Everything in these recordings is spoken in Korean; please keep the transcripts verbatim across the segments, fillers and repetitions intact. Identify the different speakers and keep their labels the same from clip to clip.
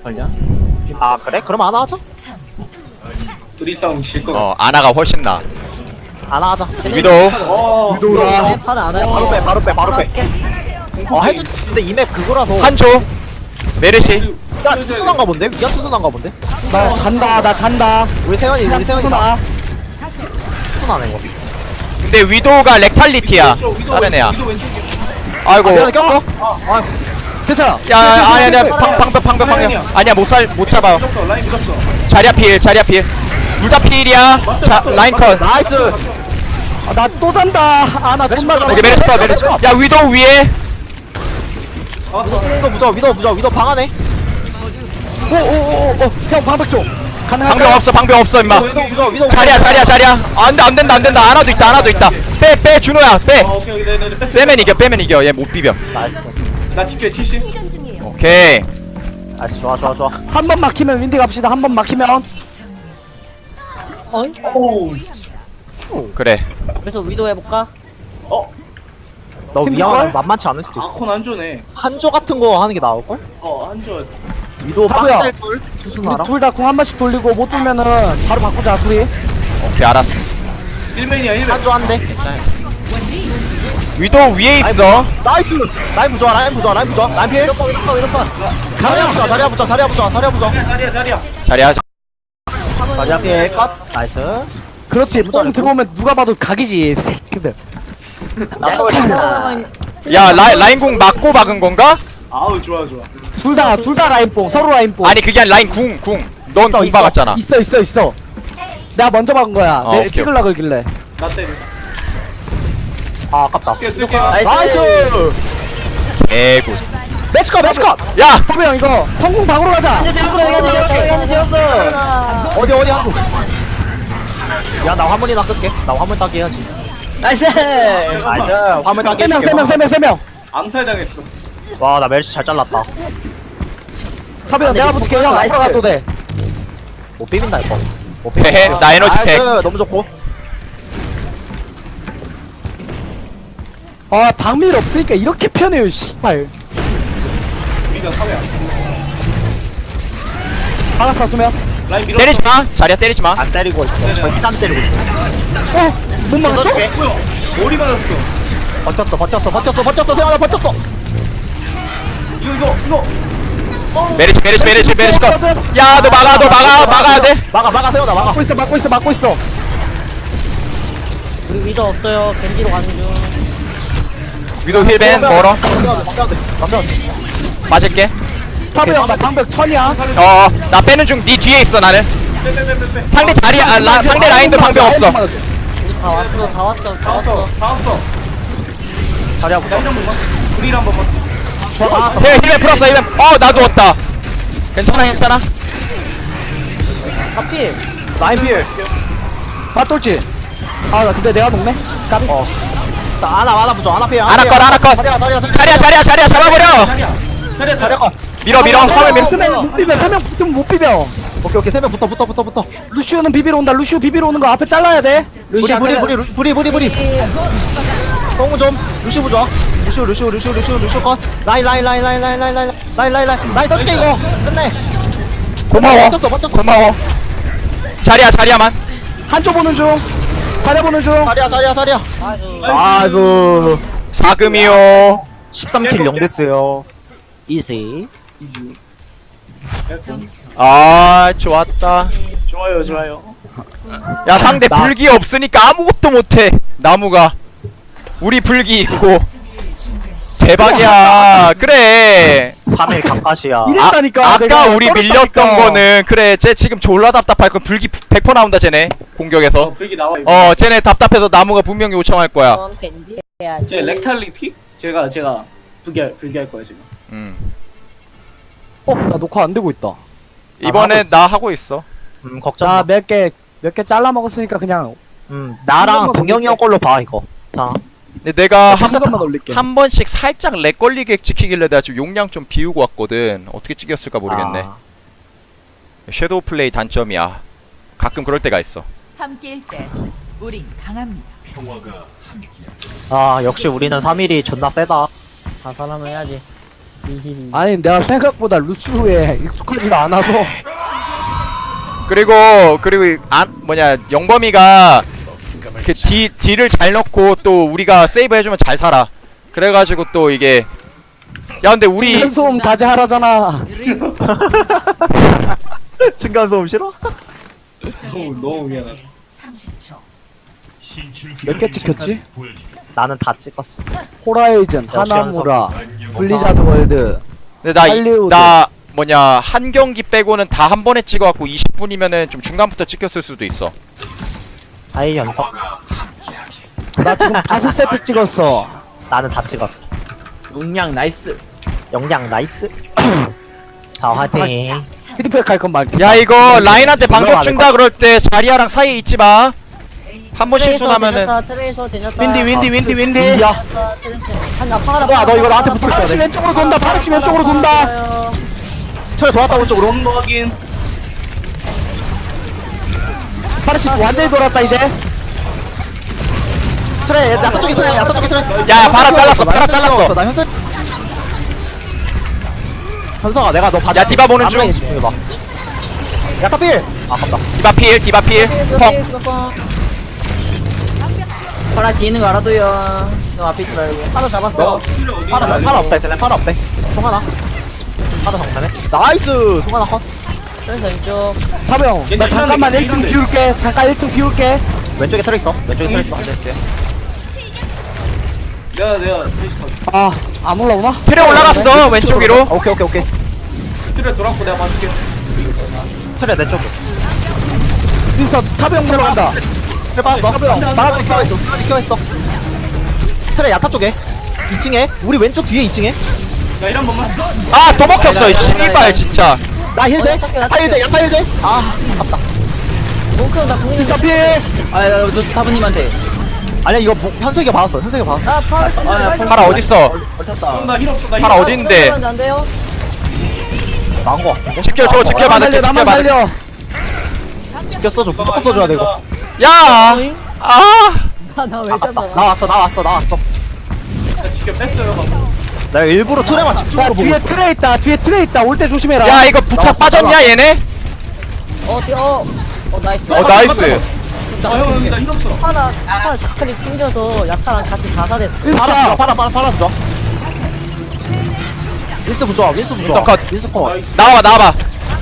Speaker 1: 걸려? 아 그래? 그럼 아나 하자.
Speaker 2: 둘이 싸움 질거 같아.
Speaker 3: 어 아나가 훨씬 나.
Speaker 1: 아나 하자.
Speaker 3: 위도우
Speaker 2: 어
Speaker 1: 위도우라.
Speaker 4: 팔 안 해요.
Speaker 1: 바로 빼, 바로 빼, 바로 빼. 어 해주. 근데 이 맵 그거라서.
Speaker 3: 한조 메르시.
Speaker 1: 야 투순한가 본데? 미안 투순한가 본데?
Speaker 4: 나 잔다, 나 잔다.
Speaker 1: 우리 세원이, 우리 세원이 다
Speaker 4: 나
Speaker 1: 투순하네 이거.
Speaker 3: 근데 위도우가 렉탈리티야.
Speaker 2: 왼쪽, 위도
Speaker 3: 다른 애야.
Speaker 2: 왼쪽, 위도 왼쪽이야.
Speaker 3: 아이고.
Speaker 1: 아, 미안해 꼈어. 아,
Speaker 4: 괜찮아.
Speaker 3: 야 아니 아니야 방 방벽 방벽 방벽. 아니야 못 살 못 잡아.
Speaker 2: 밀었어, 라인 밀었어.
Speaker 3: 자리야 필 자리야 필. 둘 다 필이야. 자 라인 컷.
Speaker 1: 나이스.
Speaker 4: 아, 나 또 잔다. 아, 나 존나 잔다.
Speaker 3: 여기 메르시 컷 메르시 컷. 야 위도우 위에.
Speaker 1: 위도 부자, 위도 부자, 위도 방 안에.
Speaker 4: 오, 오, 오, 오, 형 방백 좀. 가능할까?
Speaker 3: 방벽 없어 방벽 없어 임마.
Speaker 1: 위도 부자, 위도.
Speaker 3: 자리야 자리야 자리야. 아, 안돼 안된다 안된다. 하나도 있다 하나도 있다. 빼 빼 준호야 빼.
Speaker 2: 어, 오케이, 오케이, 네네네. 뺐어.
Speaker 3: 빼면 이겨 빼면 이겨. 얘 못 비벼.
Speaker 1: 나이스.
Speaker 2: 나 집게 칠십.
Speaker 3: 오케이.
Speaker 1: 나이스, 좋아, 좋아, 좋아.
Speaker 4: 한 번 막히면 윈디 갑시다. 한 번 막히면.
Speaker 5: 어이?
Speaker 2: 오우.
Speaker 3: 그래.
Speaker 5: 그래서 위도 해볼까?
Speaker 2: 어,
Speaker 1: 너
Speaker 4: 힘들걸?
Speaker 1: 위험하면 만만치 않을 수도 있어.
Speaker 2: 아콘 안 좋네.
Speaker 1: 한조 같은 거 하는 게 나을걸?
Speaker 2: 어, 안 좋아.
Speaker 1: 위도
Speaker 4: 바보야.
Speaker 1: 빡셀걸? 투순하라.
Speaker 4: 둘 다 공 한 번씩 돌리고 못 돌면은 바로 바꾸자, 둘이.
Speaker 3: 오케이 알았어.
Speaker 2: 일맨이야, 일맨.
Speaker 1: 한조 한대.
Speaker 3: 위도우 위에 있어.
Speaker 1: 나이스. 라인 부자, 라인 부자, 라인 부자. 라인 필.
Speaker 5: 위도퍼 위도퍼 위도퍼
Speaker 1: 자리야 부자, 자리야 부자, 자리야 부자, 자리야 부자.
Speaker 2: 자리야, 자리야.
Speaker 3: 자리야.
Speaker 1: 자리야 필 컷. 나이스.
Speaker 4: 그렇지. 뽕 들어오면 누가 봐도 각이지, 새끼들.
Speaker 3: 야 라, 라인궁 맞고 박은 건가?
Speaker 2: 아우, 좋아, 좋아.
Speaker 4: 둘 다, 둘 다 라인뽕. 서로 라인뽕.
Speaker 3: 아니 그게 아니라 라인 궁 궁. 넌
Speaker 1: 있어,
Speaker 3: 궁
Speaker 1: 있어.
Speaker 3: 박았잖아.
Speaker 4: 있어, 있어, 있어. 내가 먼저 박은 거야.
Speaker 3: 어,
Speaker 4: 내
Speaker 3: 오케이,
Speaker 4: 찍을라 그러길래.
Speaker 2: 나 때려.
Speaker 1: 아, 아깝다.
Speaker 2: 뛸게, 뛸게.
Speaker 1: 나이스.
Speaker 3: 개굿.
Speaker 1: 매치컷, 매치컷.
Speaker 3: 야
Speaker 4: 타비 형 이거 성공 방으로 가자.
Speaker 5: 현재 지었어
Speaker 1: 어디, 어디 한조. 야, 나 화물이나 끌게. 나 화물 따기 해야지.
Speaker 5: 나이스
Speaker 1: 나이스. 화물 따기
Speaker 4: 세 명,
Speaker 1: 해줄게.
Speaker 4: 세 명, 세 명, 세 명.
Speaker 2: 암살 당했어.
Speaker 1: 와, 나 멜시 잘 잘랐다.
Speaker 4: 타비 형 내가 붙을게. 형 앞으로 가도 돼.
Speaker 1: 못 비빈다, 이거. 못
Speaker 3: 헤헤, 나 에너지 팩.
Speaker 1: 나이스. 너무 좋고.
Speaker 4: 아, 방밀 없으니까 이렇게 편해요, 씨발.
Speaker 2: 우리가 사회야.
Speaker 4: 알았어, 수면.
Speaker 2: 라인 밀었어.
Speaker 3: 때리지 마. 자리야 때리지 마.
Speaker 1: 안 때리고 있어.
Speaker 2: 네네.
Speaker 1: 절대 안 때리고 있어.
Speaker 4: 어? 못 막았어?
Speaker 1: 써줄게.
Speaker 2: 뭐야? 머리 맞았어.
Speaker 1: 버텼어, 버텼어, 버텼어, 버텼어. 세환아, 버텼어.
Speaker 2: 이거, 이거, 이거.
Speaker 3: 메리치 메리치 메리치 메리치 컷. 야너 막아 너 막아 막아야 돼.
Speaker 1: 막아, 막아, 세환아, 막아.
Speaker 4: 막고 있어, 막고 있어, 막고 있어.
Speaker 5: 우리 위도 없어요 겐지로 가는 중
Speaker 3: 위도 힐벤 멀어.
Speaker 1: 막아야 돼, 막아야 돼.
Speaker 3: 맞을게.
Speaker 4: 타비 형, 나 방벽 천이야.
Speaker 3: 어나 빼는 중. 네 뒤에 있어 나는.
Speaker 2: 빼빼빼빼빼.
Speaker 3: 상대 자리야. 아, 라, 상대 라인도 방벽 없어.
Speaker 5: 우리 다 왔어 다 왔어 다
Speaker 2: 다 왔어,
Speaker 5: 왔어
Speaker 2: 다 왔어.
Speaker 1: 자리야, 보자.
Speaker 2: 한 번만. 우리를 한 번만.
Speaker 1: 막았어.
Speaker 3: 힐 힐벤 풀었어 힐벤. 어나 누웠다. 괜찮아 괜찮아.
Speaker 5: 하필
Speaker 1: 라인 필.
Speaker 4: 맞돌지? 아, 나 근데 내가 먹네? 까비.
Speaker 1: 어. 자, 하나, 하나 부자, 하나 필.
Speaker 3: 하나 컷 하나 컷.
Speaker 1: 자리야, 자리야,
Speaker 3: 자리야 자리야 자리야 잡아버려.
Speaker 2: 자리야. 자리야,
Speaker 1: 자리야,
Speaker 2: 자리야.
Speaker 1: 컷.
Speaker 3: 밀어 밀어. 화물 밀어.
Speaker 4: 붙으면 못 비벼, 세 명 붙으면 못 비벼.
Speaker 1: 오케이, 오케이. 세 명 붙어, 붙어, 붙어, 붙어.
Speaker 4: 루시오는 비비러 온다. 루시오 비비러 오는 거 앞에 잘라야 돼.
Speaker 1: 부리, 부리, 부리, 루시, 부리, 부리, 부리. 똥우 좀. 루시 부자. 루시오, 루시오, 루시오, 루시오, 루시오 컷. 라인, 라인, 라인, 라인, 라인, 라인, 라인, 라인, 라인, 라인. 라인 써줄게, 이거. 끝내.
Speaker 3: 고마워.
Speaker 1: 버텼어, 버텼어.
Speaker 3: 고마워. 자리야 자리야만.
Speaker 4: 한쪽 보는 중. 자리 보는 중.
Speaker 1: 자리야, 자리야, 자리야.
Speaker 5: 아이고
Speaker 1: 아이고.
Speaker 3: 사금이요.
Speaker 1: 십삼 킬 영 됐어요. 이지.
Speaker 2: 이지.
Speaker 3: 아 좋았다.
Speaker 2: 좋아요, 좋아요.
Speaker 3: 야 상대
Speaker 1: 나-
Speaker 3: 불기 없으니까 아무것도 못해. 나무가. 우리 불기 있고. 대박이야. 그래.
Speaker 1: 삼 일 강팟이야.
Speaker 4: 이랬다니까.
Speaker 3: 아,
Speaker 4: 내가
Speaker 3: 아까 우리 밀렸던
Speaker 4: 떨었다니까.
Speaker 3: 거는 그래 쟤 지금 졸라 답답할 거. 불기 백 퍼센트 나온다 쟤네
Speaker 2: 어,
Speaker 3: 공격에서.
Speaker 2: 불기 나와, 이거.
Speaker 3: 어 쟤네 답답해서 나무가 분명히 요청할 거야.
Speaker 5: 그럼 겐지 해야지
Speaker 2: 제 렉탈리티? 제가, 제가 불기, 할- 불기 할 거예요, 지금.
Speaker 3: 음.
Speaker 4: 어, 나 녹화 안 되고 있다.
Speaker 3: 이번에
Speaker 1: 하고 있어.
Speaker 3: 나 하고 있어.
Speaker 1: 음, 걱정
Speaker 4: 자,
Speaker 1: 마.
Speaker 4: 몇 개, 몇 개 잘라 먹었으니까 그냥
Speaker 1: 음, 나랑
Speaker 4: 한 번만
Speaker 1: 동영이 형 걸로 봐, 이거. 자.
Speaker 3: 근데 내가
Speaker 4: 한
Speaker 3: 한,
Speaker 4: 번만 올릴게.
Speaker 3: 한 번씩 살짝 렉 걸리게 찍히길래 내가 지금 용량 좀 비우고 왔거든. 어떻게 찍혔을까 모르겠네.
Speaker 1: 아,
Speaker 3: 섀도우 플레이 단점이야. 가끔 그럴 때가 있어.
Speaker 6: 함께일 때 우린 강합니다.
Speaker 1: 아, 역시 우리는 삼 일이 존나 세다.
Speaker 5: 다 사람을 해야지
Speaker 4: 아니 내가 생각보다 루시우에 익숙하지가 않아서.
Speaker 3: 그리고 그리고 안 뭐냐 영범이가 그 D D를 잘 넣고 또 우리가 세이브 해주면 잘 살아. 그래가지고 또 이게 야 근데 우리
Speaker 4: 층간소음 자제하라잖아.
Speaker 1: 층간소음 싫어?
Speaker 2: 너무 너무 미안하다.
Speaker 4: 몇 개 찍혔지?
Speaker 1: 나는 다 찍었어.
Speaker 4: 호라이즌,
Speaker 1: 역시
Speaker 4: 하나무라, 블리자드 월드.
Speaker 3: 근데 나, 이,
Speaker 4: 할리우드.
Speaker 3: 나 뭐냐 한 경기 빼고는 다 한 번에 찍어갖고 이십 분이면은 좀 중간부터 찍혔을 수도 있어.
Speaker 1: 아이 연석.
Speaker 4: 나 지금 다섯 세트 찍었어.
Speaker 1: 나는 다 찍었어.
Speaker 5: 용량 나이스.
Speaker 1: 영양 나이스. 자 화이팅.
Speaker 4: 피드백 할 건 많게.
Speaker 3: 야 이거 라인한테 방벽
Speaker 1: 올라가야
Speaker 3: 준다 그럴 때 자리아랑 사이에 있지 마. 한 번 실수
Speaker 5: 트레이서
Speaker 3: 나면은
Speaker 5: 제냐타, 트레이서 제냐타.
Speaker 4: 윈디 윈디 윈디 윈디.
Speaker 1: 야,
Speaker 5: 한나 파라.
Speaker 1: 야, 너 이거 나한테 붙어 있어야
Speaker 4: 파르시
Speaker 1: 돼.
Speaker 4: 왼쪽으로 돈다. 파르시 왼쪽으로 돈다.
Speaker 1: 철 돌았다 오른쪽으로.
Speaker 2: 런거 확인.
Speaker 4: 파르시 완전히 돌았다 이제.
Speaker 1: 트레, 야타 쪽에 트레, 야타 쪽에 트레.
Speaker 3: 야, 바라 잘랐어, 바라 잘랐어.
Speaker 1: 나 현석. 현석아, 내가 너 봐줘.
Speaker 3: 야, 디바 보는 중.
Speaker 1: 앞라인에 집중해봐. 야타 필. 아깝다.
Speaker 3: 디바 필 디바 필 펑.
Speaker 5: 파라 뒤에 있는 거 알아도요. 너 앞에 있지 말고. 파라 잡았어.
Speaker 2: 너 필요 어디?
Speaker 1: 파라, 파라 없다 했잖아. 파라 없대. 통 하나. 파라 정면에. 나이스. 통 하나 컷.
Speaker 5: 트레이서 왼쪽.
Speaker 4: 사병. 나 잠깐만 일 층 비울게. 잠깐 일 층 비울게.
Speaker 1: 왼쪽에 트레 있어. 왼쪽에 트레 있어.
Speaker 2: 내가 내가 대신 봐.
Speaker 4: 아, 안 올라오나?
Speaker 3: 트레 올라갔어 왼쪽 위로.
Speaker 1: 오케이, 오케이, 오케이.
Speaker 2: 틀에 돌았고 내가 봐줄게.
Speaker 1: 트레 내 쪽에.
Speaker 4: 민서 타병 들어간다.
Speaker 1: 트레 빠졌어. 나가고 있어. 있어. 지켜 있어. 트레 야타 쪽에. 이 층에. 우리 왼쪽 뒤에 이 층에.
Speaker 2: 야 이런 번만.
Speaker 3: 아 또 먹혔어 이 씨발 진짜.
Speaker 1: 나 힐 돼.
Speaker 5: 어, 야타
Speaker 1: 야타 힐 돼. 야타 힐 돼. 아, 아깝다.
Speaker 5: 몽크는 나 국민.
Speaker 4: 민서 필.
Speaker 5: 아너 타브님한테.
Speaker 1: 아니야 이거 뭐, 현석이가 받았어. 현석이가 받았어.
Speaker 5: 아 파라.
Speaker 3: 파라 어딨어?
Speaker 2: 나힐 없어. 나
Speaker 3: 파라
Speaker 2: 힐
Speaker 3: 어디 있는데?
Speaker 5: 안 돼요?
Speaker 1: 나온 거 같은데?
Speaker 3: 지켜줘
Speaker 4: 나만
Speaker 3: 지켜봐
Speaker 4: 살려. 나만
Speaker 3: 지켜봐.
Speaker 4: 살려.
Speaker 1: 지켜 써줘. 무조건 써줘야 돼 이거.
Speaker 3: 야. 아.
Speaker 5: 나나왜
Speaker 1: 아깝다.
Speaker 5: 잡아?
Speaker 1: 나 왔어. 나 왔어. 나 왔어.
Speaker 2: 나 지켜 뺐어요. 방금.
Speaker 1: 내가 일부러 트레만 집중으로
Speaker 4: 야
Speaker 1: 보고
Speaker 4: 뒤에
Speaker 1: 있어.
Speaker 4: 트레 있다. 뒤에 트레 있다. 올 때 조심해라.
Speaker 3: 야 이거 부착
Speaker 1: 나왔어,
Speaker 3: 빠졌냐
Speaker 1: 나왔어.
Speaker 3: 얘네?
Speaker 5: 어 뒤 어. 어 나이스.
Speaker 3: 어 나이스.
Speaker 2: 아형 여기 나힐 없어.
Speaker 5: 파라 파라 스크립 튕겨서 야차랑 같이 자살했어.
Speaker 1: 파라 파라 파라 파라 부자. 윈스 부자. 윈스 부자.
Speaker 3: 윈스 컷.
Speaker 1: 윈스 컷.
Speaker 3: 나와봐 나와봐.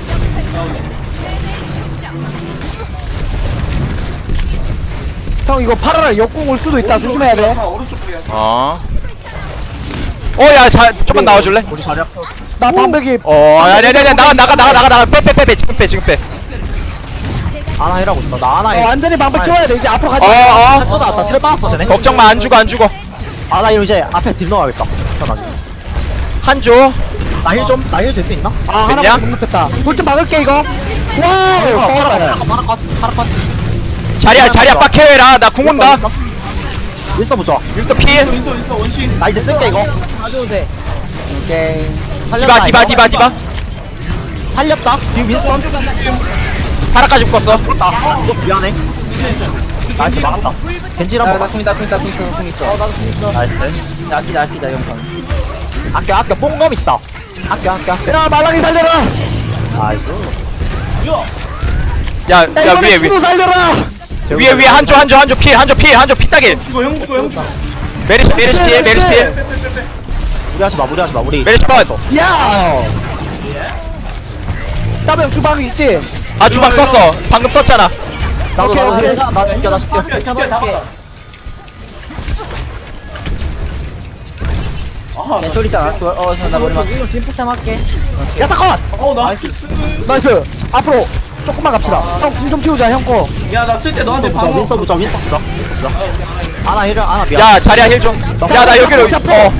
Speaker 4: 형 이거 파라랑 역공 올 수도 있다. 조심해야 돼.
Speaker 2: 아 오른쪽 쪽이야.
Speaker 3: 어. 어야 잘 조금만 나와줄래?
Speaker 1: 우리 자리
Speaker 4: 나 반백이.
Speaker 3: 어 아니 아니 아니 나가 나가 나가 나가 나가 빼 빼 빼 지금 빼 지금 빼.
Speaker 1: 아나 힐하고 있어. 나 아나
Speaker 4: 어,
Speaker 1: 힐.
Speaker 4: 완전히 반백 채워야 돼. 이제 앞으로 가자.
Speaker 3: 어어.
Speaker 1: 한쪽 나왔다. 트레 빠졌어 쟤네.
Speaker 3: 걱정 마 안 죽어 안 죽어.
Speaker 1: 아나 힐 이제 앞에 딜 넣어야겠다. 편하게.
Speaker 3: 한조.
Speaker 1: 나힐 좀. 나 힐 될 수 있나?
Speaker 4: 아
Speaker 3: 됐냐?
Speaker 4: 하나만 못 넣겠다. 돌좀 막을게 이거. 와.
Speaker 1: 파라 파라 파라 컷. 파라 컷.
Speaker 3: 자리야 자리야 빡해라 나 궁 온다.
Speaker 1: 윈스 부자.
Speaker 3: 윈스터 피.
Speaker 2: 윈서 윈서 원신.
Speaker 1: 나 이제 쓸게 이거.
Speaker 5: 가져도 돼. 오케이.
Speaker 3: 디바 디바 디바 디바.
Speaker 1: 살렸다. 뒤 윈스턴.
Speaker 3: 파라까지 묶었어.
Speaker 1: 아, 이거 미안해. 나이스 막았다. 겐지 한번 봐.
Speaker 5: 있다 공 있다 공 있어 공 있어. 어 나도 공 있어.
Speaker 1: 나이스.
Speaker 5: 아끼다 아끼다 영상.
Speaker 1: 아껴 아껴 뽕검 있다. 아껴 아껴 아껴.
Speaker 4: 야 말랑이 살려라.
Speaker 1: 나이스.
Speaker 3: 야
Speaker 4: 야
Speaker 3: 야
Speaker 4: 이번에
Speaker 3: 위에
Speaker 4: 주도
Speaker 3: 위에
Speaker 4: 살려라.
Speaker 3: 위에 위에 한조 한조 한조 피 한조 피 한조 피 따길.
Speaker 2: 죽어 형 죽어 형 죽어.
Speaker 3: 메리시 메리시 피해 메리시 피해
Speaker 1: 무리하지 마 무리하지 마 우리.
Speaker 3: 메리시 번.
Speaker 4: 야. 따병 주방이 있지.
Speaker 3: 아 주방 썼어 방금 썼잖아.
Speaker 1: 나도
Speaker 4: 오케이,
Speaker 1: 나도
Speaker 4: 오케이.
Speaker 1: 힐. 나 지켜 나 지켜.
Speaker 2: 지켜 지켜 잡았다. 아하 나
Speaker 5: 소리 있잖아. 어나 머리 막. 이거 뒷부참 할게.
Speaker 1: 야타 컷.
Speaker 2: 어 나이스.
Speaker 4: 나이스. 앞으로 조금만 갑시다. 형 궁 좀 치우자 형 거.
Speaker 2: 야나 쓸 때 너한테
Speaker 1: 윈서
Speaker 2: 방어.
Speaker 1: 윈서 부자 윈서 부자. 윈서 부자. 아나 힐을 아나 미안.
Speaker 3: 야 자리야 힐 좀. 야 나 여기로. 어.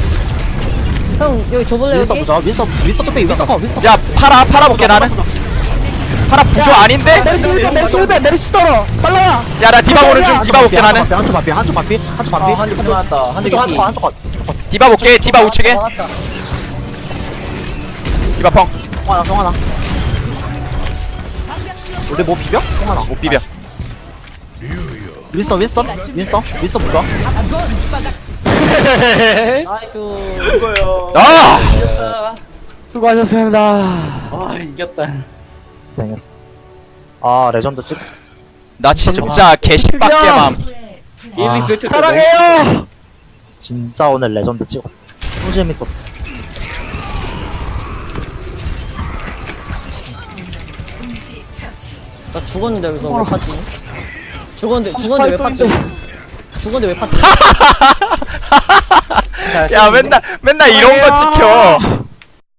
Speaker 5: 형 여기 줘볼래
Speaker 1: 윈서
Speaker 5: 여기?
Speaker 1: 부자. 윈서 윈서 또 빼. 윈서 컷. 윈서 컷.
Speaker 3: 야 파라 팔아 볼게 나는. 파라 부조 아닌데?
Speaker 4: 메르시 일 배 메르시 일 배 메르시 떨어. 빨라.
Speaker 3: 야 나 디바 보는 중 디바 볼게 나는.
Speaker 1: 한쪽 반피 한쪽 반피 한쪽 반피.
Speaker 5: 한대 맞았다.
Speaker 1: 한쪽 한쪽 한쪽 컷.
Speaker 3: 디바 볼게 디바 우측에.
Speaker 5: 나갔다.
Speaker 3: 디바 펑.
Speaker 1: 송 하나 송 하나. 우리 뭐 비벼? 송 하나.
Speaker 3: 못 비벼.
Speaker 1: 윈서 윈서 윈서 윈서 부자.
Speaker 5: 나이스.
Speaker 2: 이거요.
Speaker 3: 아!
Speaker 2: 이겼다.
Speaker 4: 수고하셨습니다.
Speaker 2: 아 이겼다.
Speaker 1: 고생했어. 아 레전드 찍.
Speaker 3: 나 진짜 개십박개맘.
Speaker 2: 게임이
Speaker 1: 아,
Speaker 2: 그렇게
Speaker 4: 사랑해요.
Speaker 1: 진짜 오늘 레전드 찍어. 너무 재밌었.
Speaker 5: 나 죽었는데 여기서 왜 파지? 죽었는데 죽었는데 왜 파지? 죽었는데 왜 파지?
Speaker 3: 야 맨날 맨날 이런 거 지켜.